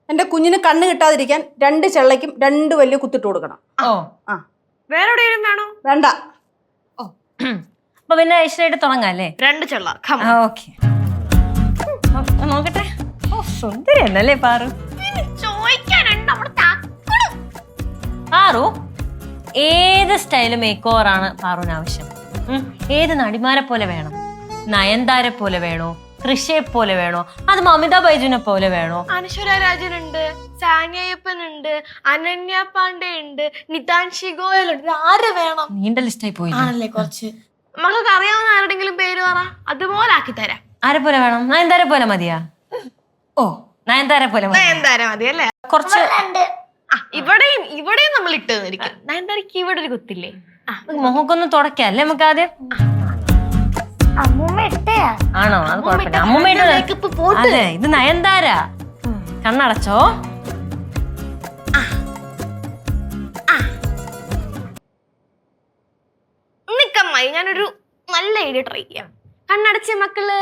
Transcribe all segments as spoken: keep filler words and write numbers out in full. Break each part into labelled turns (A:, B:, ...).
A: എന്റെ കുഞ്ഞിന് കണ്ണ് കിട്ടാതിരിക്കാൻ രണ്ട് ചെള്ളയ്ക്കും രണ്ട് വലിയ കുത്തിട്ട് കൊടുക്കണം.
B: ഓ
A: ആ
C: വേറെ എവിടെയും വേണോ?
A: വേണ്ട.
B: ഓ അപ്പൊ പിന്നെ ഐശ്വര്യായിട്ട് തുടങ്ങാം അല്ലേ?
C: രണ്ട് ചെള്ള.
B: ഓക്കെ നോക്കട്ടെ. ഓ സുന്ദരി എന്നല്ലേ പാറു. പാറു ഏത് സ്റ്റൈല് മേക്ക് ഓവർ ആണ് പാറുവിന് ആവശ്യം? ഏത് നടിമാരെ പോലെ വേണം? നയൻതാരെ പോലെ വേണോ? കൃഷിയെ പോലെ വേണോ? അത് മമിത ബൈജുനെ പോലെ വേണോ?
C: അനശ്വര രാജനുണ്ട്, സാനിയപ്പനുണ്ട്, അനന്യ പാണ്ഡെ ഉണ്ട്, നിതാൻഷി ഗോയൽ ഉണ്ട്. ആര് വേണം?
B: നീണ്ട ലിസ്റ്റായി പോയി
C: ആണല്ലേ കുറച്ച്. മക്കൾക്ക് അറിയാവുന്ന ആരുടെങ്കിലും പേര് പറ, അതുപോലെ ആക്കി തരാം.
B: ആരെ പോലെ വേണം? നയൻതാരെ പോലെ മതിയാ? ഓ നയൻതാരെ പോലെ മതി.
C: നയൻതാര മതി അല്ലേ?
B: കുറച്ച്
C: ഇവിടെയും ഇവിടെയും നമ്മൾ ഇട്ട് തന്നിരിക്കും. നയൻതാരക്ക് ഇവിടെ ഒരു കുത്തില്ലേ?
B: മുഖക്കൊന്ന് തുടക്കാം അല്ലേ നമുക്ക് ആദ്യം? ആണോ? അത് കുഴപ്പമില്ല. അമ്മൂമ്മ അതെ ഇത് നയൻതാര. കണ്ണടച്ചോ.
C: നിക്കമ്മായി ഞാനൊരു നല്ല ഐഡിയ ട്രൈ ചെയ്യാം. കണ്ണടച്ച മക്കള്.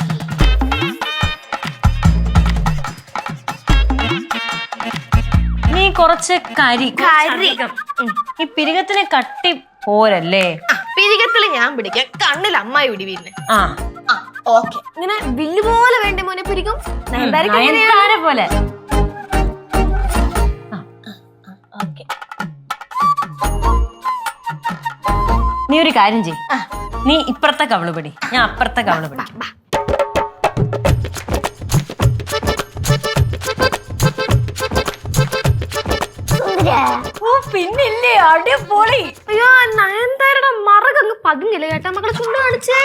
B: നീ കുറച്ച് കരി
C: കരി
B: ഈ പിരികത്തിന് കട്ടി പോരല്ലേ?
C: പിരികത്തില് ഞാൻ പിടിക്കാം, കണ്ണിൽ അമ്മായി പിടി. പിന്നെ
B: ആ
C: ഓക്കെ. ഇങ്ങനെ വില്ല് പോലെ വേണ്ട മോനെ പിരിക്കും.
B: നയൻതാര പോലെ. നീ ഒരു കാര്യം ചെയ്, നീ ഇപ്പുറത്തെ കവള് പിടി, ഞാൻ അപ്പുറത്തെ കവള് പിടി. ഓ പിന്നില്ലേ, അടിപൊളി.
C: അയ്യോ നയൻതാരയുടെ മറകങ്ങ് പതിഞ്ഞില്ല കേട്ടാ മക്കളെ. ചുണ്ട് കാണിച്ചേ.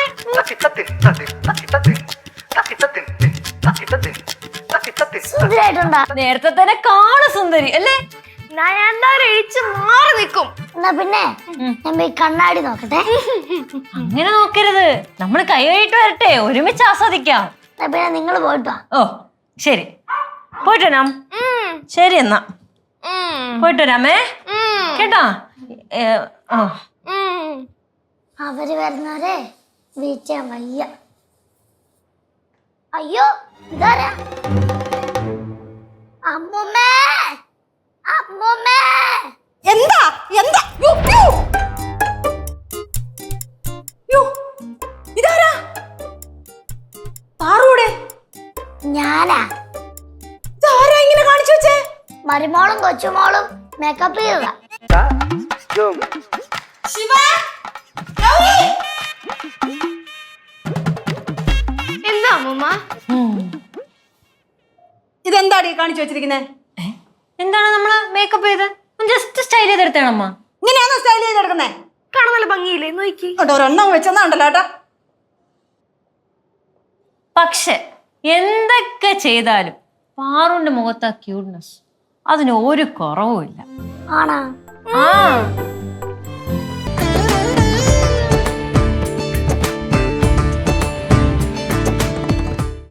B: നേരത്തെ തന്നെ കാണു സുന്ദരി അല്ലേ?
C: നയൻതാര എഴിച്ച് മാറി നിൽക്കും.
D: എന്നാ പിന്നെ ഞാൻ പോയി കണ്ണാടി നോക്കട്ടെ.
B: അങ്ങനെ നോക്കരുത്, നമ്മള് കൈ കഴിയിട്ട് വരട്ടെ, ഒരുമിച്ച് ആസ്വദിക്കാം.
D: എന്നാ പിന്നെ നിങ്ങള് പോയിട്ടോ.
B: ഓ ശരി, പോയിട്ട് വരാം. ശരി എന്നാ പോയിട്ട് വരാമേ കേട്ടോ.
D: അവര് വരുന്നവരെ വെയിറ്റ് ചെയ്യാൻ വയ്യ. അയ്യോ ഇതാരാ? അമ്മൂമ്മേ, അമ്മൂമ്മേ.
A: എന്താ എന്താ? യ്യോ, യ്യോ. യ്യോ, ഇതാരാ? പാറൂടെ?
D: ഞാനാ.
A: ഇതാരാ ഇങ്ങനെ കാണിച്ചു വെച്ചേ?
D: മരുമോളും കൊച്ചുമോളും മേക്കപ്പ് ചെയ്തതാ.
C: എന്താ അമ്മൂമ്മ?
A: ഇതെന്താടി കാണിച്ചു വെച്ചിരിക്കുന്നേ?
B: എന്താണ് നമ്മള് മേക്കപ്പ് ചെയ്ത് ജസ്റ്റ് സ്റ്റൈൽ ചെയ്തെടുത്തണമ്മ.
A: ഇങ്ങനെയാണോ സ്റ്റൈൽ ചെയ്തെടുക്കുന്നേ?
C: കാണാൻ നല്ല ഭംഗിയില്ലേ? നോക്കി
A: ഒരെണ്ണം വെച്ചെന്നാണ്ടല്ലോ ഏട്ടാ.
B: പക്ഷെ എന്തൊക്കെ ചെയ്താലും പാറുവിന്റെ മുഖത്ത് ആ ക്യൂട്ട്നെസ് അതിന് ഒരു കുറവുമില്ല.
D: ആണാ?
B: ആ